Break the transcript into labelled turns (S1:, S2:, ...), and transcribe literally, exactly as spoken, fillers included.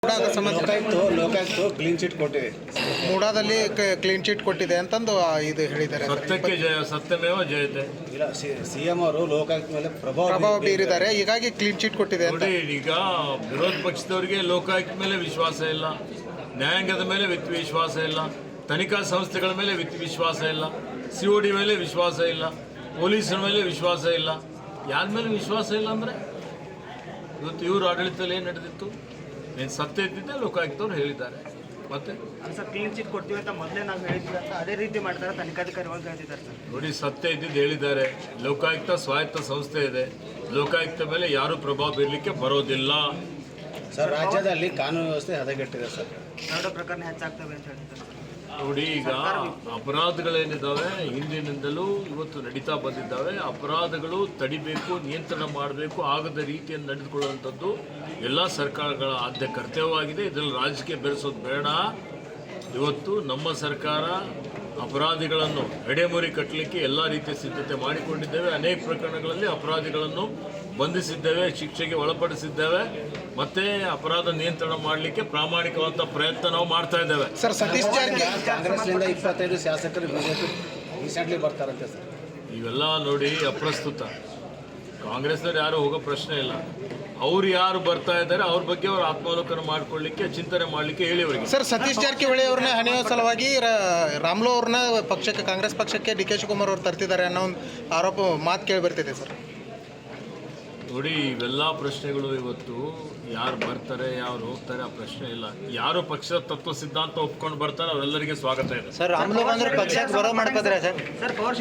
S1: ಮೂಡಾದ ಸಂಬಂಧ
S2: Lokayukta Lokayukta clean chit ಕೊಟ್ಟಿದೆ.
S1: ಮೂಡಾದಲ್ಲಿ clean chit ಕೊಟ್ಟಿದೆ ಅಂತಂದು ಆ, ಇದು ಹೇಳಿದ್ದಾರೆ ಸರ್.
S3: ಸತ್ಯಕ್ಕೆ ಜಯ ಸತ್ಯಮೇವ ಜಯತೆ.
S2: ಇಲ್ಲ ಸಿಎಂ ಅವರು ಲೋಕಾಯುಕ್ತ ಮೇಲೆ ಪ್ರಭಾವ
S1: ಪ್ರಭಾವ
S2: ಬೀರಿದ್ದಾರೆ.
S1: ಬೀರಿದ್ದಾರೆ, ಹೀಗಾಗಿ ಕ್ಲೀನ್ ಚಿಟ್ ಕೊಟ್ಟಿದೆ ಅಂತ.
S3: ನೋಡಿ, ಈಗ ವಿರೋಧ ಪಕ್ಷದವರಿಗೆ ಲೋಕಾಯುಕ್ತ ಮೇಲೆ ವಿಶ್ವಾಸ ಇಲ್ಲ, ನ್ಯಾಯಾಂಗದ ಮೇಲೆ ವಿತ್ ವಿಶ್ವಾಸ ಇಲ್ಲ, ತನಿಖಾ ಸಂಸ್ಥೆಗಳ ಮೇಲೆ ವಿತ್ ವಿಶ್ವಾಸ ಇಲ್ಲ, ಸಿ ಒ ಡಿ ಮೇಲೆ ವಿಶ್ವಾಸ ಇಲ್ಲ, ಪೊಲೀಸರ ಮೇಲೆ ವಿಶ್ವಾಸ ಇಲ್ಲ. ಯಾರ ಮೇಲೆ ವಿಶ್ವಾಸ ಇಲ್ಲ ಅಂದರೆ ಇವತ್ತು ಇವರು ಆಡಳಿತದಲ್ಲಿ ಏನು ನಡೆದಿತ್ತು, ಏನು ಸತ್ಯ ಇದ್ದಿದ್ದೆ ಲೋಕಾಯುಕ್ತವ್ರು ಹೇಳಿದ್ದಾರೆ. ಮತ್ತೆ
S4: ಸರ್ ಕ್ಲೀನ್ ಚಿಟ್ ಕೊಡ್ತೀವಿ ಅಂತ ಮೊದಲೇ ನಾವು ಹೇಳಿದ್ವಿ ಅಂತ ಅದೇ ರೀತಿ ಮಾಡ್ತಾರೆ ತನಿಖಾಧಿಕಾರಿಗಳು ಹೇಳ್ತಿದ್ದಾರೆ ಸರ್.
S3: ನೋಡಿ, ಸತ್ಯ ಇದ್ದಿದ್ದು ಹೇಳಿದ್ದಾರೆ. ಲೋಕಾಯುಕ್ತ ಸ್ವಾಯತ್ತ ಸಂಸ್ಥೆ ಇದೆ, ಲೋಕಾಯುಕ್ತ ಮೇಲೆ ಯಾರು ಪ್ರಭಾವ ಬೀರಲಿಕ್ಕೆ ಬರೋದಿಲ್ಲ.
S2: ಸರ್ ರಾಜ್ಯದಲ್ಲಿ ಕಾನೂನು ವ್ಯವಸ್ಥೆ ಹದಗೆಟ್ಟಿದೆ ಸರ್.
S4: ಎರಡು ಪ್ರಕರಣ ಹೆಚ್ಚಾಗ್ತವೆ ಅಂತ ಹೇಳ್ತಿದ್ದಾರೆ ಸರ್.
S3: ನೋಡಿ, ಈಗ ಅಪರಾಧಗಳೇನಿದ್ದಾವೆ ಹಿಂದಿನಿಂದಲೂ ಇವತ್ತು ನಡೀತಾ ಬಂದಿದ್ದಾವೆ. ಅಪರಾಧಗಳು ತಡಿಬೇಕು, ನಿಯಂತ್ರಣ ಮಾಡಬೇಕು, ಆಗದ ರೀತಿಯನ್ನು ನಡೆದುಕೊಳ್ಳುವಂಥದ್ದು ಎಲ್ಲ ಸರ್ಕಾರಗಳ ಆದ್ಯ ಕರ್ತವ್ಯವಾಗಿದೆ. ಇದರಲ್ಲಿ ರಾಜಕೀಯ ಬೆರೆಸೋದು ಬೇಡ. ಇವತ್ತು ನಮ್ಮ ಸರ್ಕಾರ ಅಪರಾಧಿಗಳನ್ನು ಎಡೆಮುರಿ ಕಟ್ಟಲಿಕ್ಕೆ ಎಲ್ಲ ರೀತಿಯ ಸಿದ್ಧತೆ ಮಾಡಿಕೊಂಡಿದ್ದೇವೆ. ಅನೇಕ ಪ್ರಕರಣಗಳಲ್ಲಿ ಅಪರಾಧಿಗಳನ್ನು ಬಂಧಿಸಿದ್ದೇವೆ, ಶಿಕ್ಷೆಗೆ ಒಳಪಡಿಸಿದ್ದೇವೆ, ಮತ್ತೆ ಅಪರಾಧ ನಿಯಂತ್ರಣ ಮಾಡಲಿಕ್ಕೆ ಪ್ರಾಮಾಣಿಕವಾದ ಪ್ರಯತ್ನ ನಾವು ಮಾಡ್ತಾ ಇದ್ದೇವೆ.
S1: ಸರ್ ಸತೀಶ್ ಜಾರಕಿಹೊಳಿ
S2: ಕಾಂಗ್ರೆಸ್ನಿಂದ ಇಪ್ಪತ್ತೈದು ಶಾಸಕರು ಬಿಜೆಪಿ ರೀಸೆಂಟ್ಲಿ ಬರ್ತಾರಂತೆ ಸರ್.
S3: ಇವೆಲ್ಲ ನೋಡಿ ಅಪ್ರಸ್ತುತ. ಕಾಂಗ್ರೆಸ್ನವ್ರು ಯಾರು ಹೋಗೋ ಪ್ರಶ್ನೆ ಇಲ್ಲ. ಅವ್ರು ಯಾರು ಬರ್ತಾ ಇದ್ದಾರೆ ಅವ್ರ ಬಗ್ಗೆ ಅವ್ರು ಆತ್ಮಾವಲೋಕನ ಮಾಡ್ಕೊಳ್ಳಿಕ್ಕೆ, ಚಿಂತನೆ ಮಾಡಲಿಕ್ಕೆ ಹೇಳಿ ಅವರಿಗೆ.
S1: ಸರ್ ಸತೀಶ್ ಜಾರಕಿಹೊಳಿ ಅವ್ರನ್ನ ಹಣಿಯೋ ಸಲುವಾಗಿ ರಾ- ರಾಮ್ಲೋ ಅವ್ರನ್ನ ಪಕ್ಷಕ್ಕೆ, ಕಾಂಗ್ರೆಸ್ ಪಕ್ಷಕ್ಕೆ ಡಿ ಕೆ ಶಿವಕುಮಾರ್ ಅವ್ರು ತರ್ತಿದ್ದಾರೆ ಅನ್ನೋ ಒಂದು ಆರೋಪ ಮಾತು ಕೇಳಿ ಬರ್ತಿದೆ ಸರ್.
S3: ನೋಡಿ, ಇವೆಲ್ಲ ಪ್ರಶ್ನೆಗಳು ಇವತ್ತು ಯಾರು ಬರ್ತಾರೆ ಯಾರು ಹೋಗ್ತಾರೆ ಆ ಪ್ರಶ್ನೆ ಇಲ್ಲ. ಯಾರು ಪಕ್ಷದ ತತ್ವ ಸಿದ್ಧಾಂತ ಒಪ್ಕೊಂಡು ಬರ್ತಾರೆ ಅವರೆಲ್ಲರಿಗೆ ಸ್ವಾಗತ ಇದೆ.
S5: ಸರ್ ರಾಮುಲು ಬಂದ್ರೆ ಪಕ್ಷಕ್ಕೆ ಬರೋ ಮಾಡ್ಕೋತಾರೆ ಸರ್.
S4: Sir power